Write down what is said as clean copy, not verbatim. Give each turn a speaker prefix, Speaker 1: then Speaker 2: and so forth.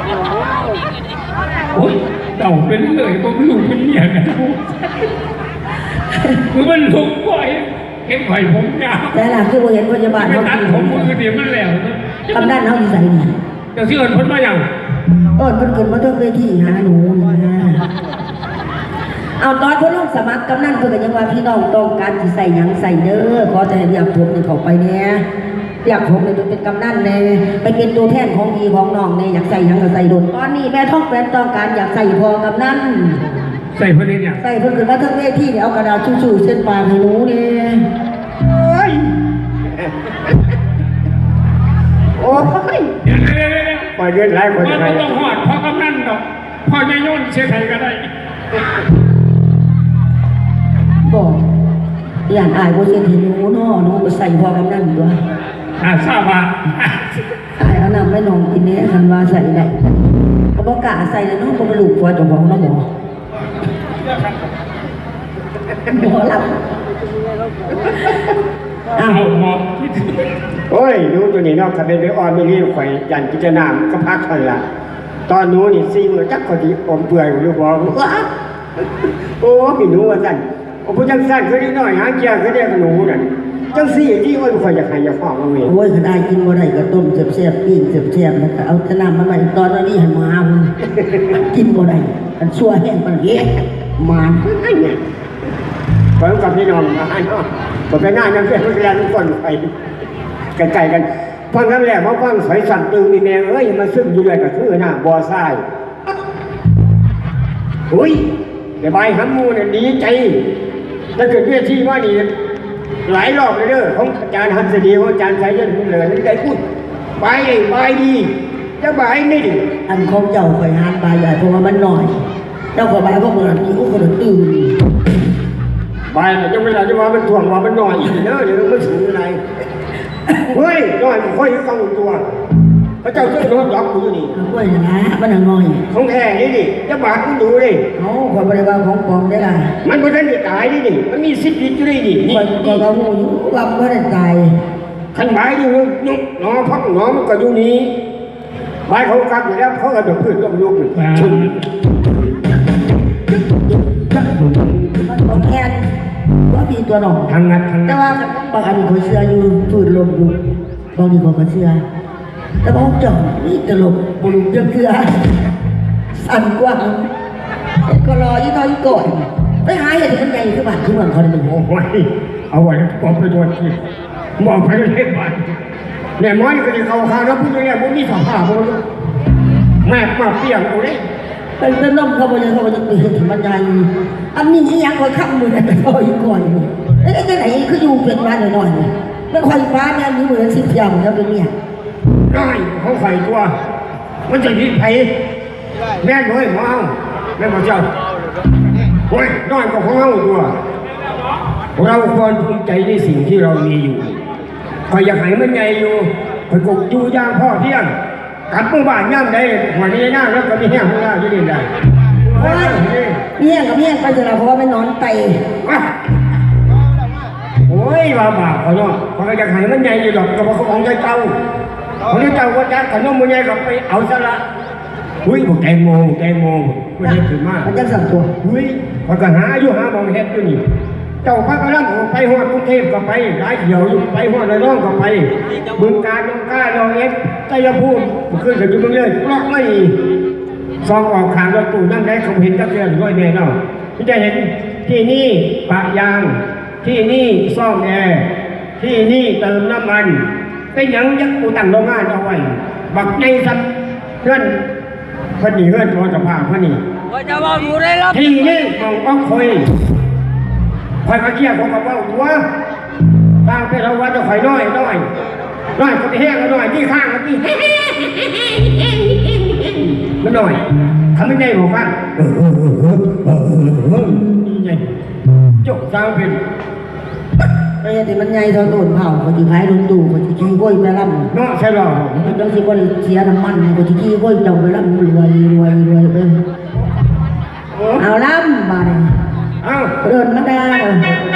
Speaker 1: โอ้ยเต่าเป็นเลยก็ไม่รู้เป็นเนี่ยกันคือมันลุกบ่อยเก็บไข่ผมยาว
Speaker 2: แต่หลังคือเห็นพยาบาลเขากิน
Speaker 1: ผมมือเดียวมันแล้ว
Speaker 2: กำนันเขาอยู่ใส่นี่
Speaker 1: แต่ที่เอิญพ้นมาอย่าง
Speaker 2: เพิ่นเกิดมาต้องไปที่หาหนูนะเอาตอนเพิ่นลงสมัครกำนันเพิ่นก็ยังว่าพี่น้องต้องการสิใส่หยังใส่เด้อขอแต่ให้อยากผมนี่เข้าไปแน่อยากผมเป็นกำนันแน่ไปเป็นตัวแทนของพี่ของน้องแน่อยากใส่หยังก็ใส่โดนตอนนี้แม่ท้องแฟนต้องการอยากใส่พอกำนัน
Speaker 1: ใส่เพิ่นเนี่ย
Speaker 2: ใส่เพิ่นขึ้นมาทั้งเวทีเนี่ยเอากระดาษชูๆเส้นปากให้หนูเนี่ยโอ้ย
Speaker 1: ปล่อยเดือดร้ายคนไทยต้องหอดพอกำนันดอกพอใหญ่โยนเสียไทยก็ได้
Speaker 2: บอกอย่างอายว่าเสียทีหนูเนาะหนูก็ใส่พอกำนันด้วย
Speaker 1: ทราบว่า
Speaker 2: อายเอานำไม่นองกินเนี่ยคันว่าใส่ได้เขาบอกกะใส่เลยเนาะเขาไปลูกว่าเจ้าของเนาะหมอหลับ
Speaker 1: อ้าวหมอ
Speaker 3: โอ้ยดูตัวนี้เนาะถ้าเป็นไปอ่อนไม่รีบข่อยยันพิจารณาก็พักคนละตอนนู้นนี่ซีมือจักคนที่อมเปื่อยหรือบอกว่าโอ้พี่หนูว่าสั่นโอ้ผู้จังสั่นคือนิดหน่อยหางเกียร์คือเรียกหนูนั่นจังซี่ที่อ้อยข่อยอยากให้อยากฟังเอาเอง
Speaker 2: โอ้ยขนาดกินบ่ได้ก็ต้มเสียบๆปิ้งเสียบๆแล้วก็เอาแต่น้ำมาใหม่ตอนนี้หันมากินบ่ได้มันชั่วแห้งปานเอ๊ะมัน
Speaker 3: พร้อมกับพี่น้องมาให้เนาะผมไปงานนั่นเพื่อนเรียนทุกคนไปไกลๆกันฟังนั้นแหละมาฟังสอยสั่นตึงมีแมงเอ้ยมาซึมอยู่เลยก็คือหน้าบ่อทรายอุ้ยแต่ใบหำมูเนี่ยดีใจถ้าเกิดเวทีว่านี่หลายรอบเลยเด้อของอาจารย์ฮันสดีของอาจารย์สายยันเหลือนี่ได้พูดใบดีจะใบนี่ดิ
Speaker 2: อันของเจ้าข่อยหานใบใหญ่เพราะว่ามันหน่อยเจ้าข่อยใบก็เหมือนมีคนตื่น
Speaker 3: ใบจะเวลาจะว่ามันถ่วงว่ามันหน่อยอีกเนอะเดี๋ยวมันสูงอะไรเฮ้ยน้อยค่อยฟังตัวพระเจ้าเจ้าโดนล็อกกูอยู่นี่
Speaker 2: ค่อยนะมันน้อย
Speaker 3: ของแท้นี่ดิจะบาดกูดูดิ
Speaker 2: เอาคนบริวารของปลอมได้ล่ะ
Speaker 3: มันไม่ได้ตายนี่ดิมันมีสิทธิ์อยู่นี่ดิ
Speaker 2: คนก็หูอยู่ว่าไม่ได้ตาย
Speaker 3: ขันใบอยู่นุ๊กน้องพักน้องมันก็อยู่นี่ใบเขากัดอยู่แล้วเขาก็จะพืชต้มยุกชุ่ม
Speaker 2: มันบอกแอนว่ามีตัวหนอง
Speaker 1: ทางนัด
Speaker 2: แต่ว่าบางอันเขาเชื่ออยู่ฝืนลมอยู่บางทีเขาเชื่อแต่บางจ่องนี่ตลกบลูเชื่อสั่นกว่าก็รอยี่ต้อยก่อนไปหาเหตุมันใหญ่ขึ้นบ้านขึ้นเมืองเขาเลยมัน
Speaker 1: โอ้ยเอาไว้ปอบไปตัวที่มองไปเห็นบ้าน
Speaker 3: แม่ม้อยก็จะเข้าข้างแล้วพูดอย่างนี้มีสภาพแม่มาเปลี่ยนกูได้
Speaker 2: เป็นน้องเขาบอกเขาจะตื่นถึงบรรยายอันนี้ที่ยังคอยขับมือแต่คอยก่อนไอ้ที่ไหนคืออยู่เป็นมาหน่อยๆไม่คอยฟ้าเนี่ยมีเหมือนสิบอย่างแล้วเป็นเนี่ย
Speaker 3: ได้เขาใส่ตัวมันจะยิ่งไผ่แม่น้อยของเอาแม่บอกเจ้าโอ้ยน้อยกว่าของเอาตัวเราควรภูมิใจในสิ่งที่เรามีอยู่คอยอยากให้มันใหญ่อยู่คอยกบอยู่ย่างพ่อเที่ยงกัดมือบ้านย่ำได้หัวนี้หน้าแล้วก็มีแห้งข้างหน้าที่นี่ได้
Speaker 2: โอ้ยเมี่ยงกับเมี่ยงไปเถอะเพราะว่าไม่นอนไต
Speaker 3: โอ้ยว่าบาปเขาเนาะเขาอยากให้มันใหญ่อยู่หรอกแต่ว่าเขาของใจเจ้าของใจเจ้าก็จะขนมมันใหญ่กับไปเอาซะละอุ้ยบอกแตงโมไม่ได้ถึงมาก
Speaker 2: มันจะสั่งตัว
Speaker 3: อุ้ยพอก็หาอยู่หามองเห็ดอยู่นี่เจ้าพระกำลังไปหอดกรุงเทพก็ไปหลายเที่ยวอยู่ไปหอดระยองก็ไปบึงกาฬน้องก้าน้องเอฟใจยภูมิขึ้นกับจุดเมืองเลยล็อกไม่ซองออกขางรถตู้นั่งได้เขาเห็นตะเกียบร้อยเมตรเนาะพี่จะเห็นที่นี่ปะยางที่นี่ซ่อมแอร์ที่นี่เติมน้ำมันเป็นยังยักษ์กูตั้งโรงงานเอาไว้บักในสัตว์เพื่อนพอดีเพื่อนตัวจะพาพอดีที่นี่มองอ้องคอยคอยมาเกี่ยวกับว่าตัวตามไปเราว่าจะคอยน้อยคนที่แห้งก็น้อยที่ข้างก็ที่มันน้อยทำไม่ใหญ่บอกกันนี่ไงจบสาวเป็น
Speaker 2: ไอ้ที่มันใหญ่ทอนโดนเผาคนที่ขายโดนตู่คนที่ขี้ก้อยไปล่ำ
Speaker 3: เนาะใช่หรอ
Speaker 2: มันต้องสิคนเสียน้ำมันคนที่ขี้ก้อยเจ้าไปล่ำรวยไปเอาล่ำมาเลยเดินมาได้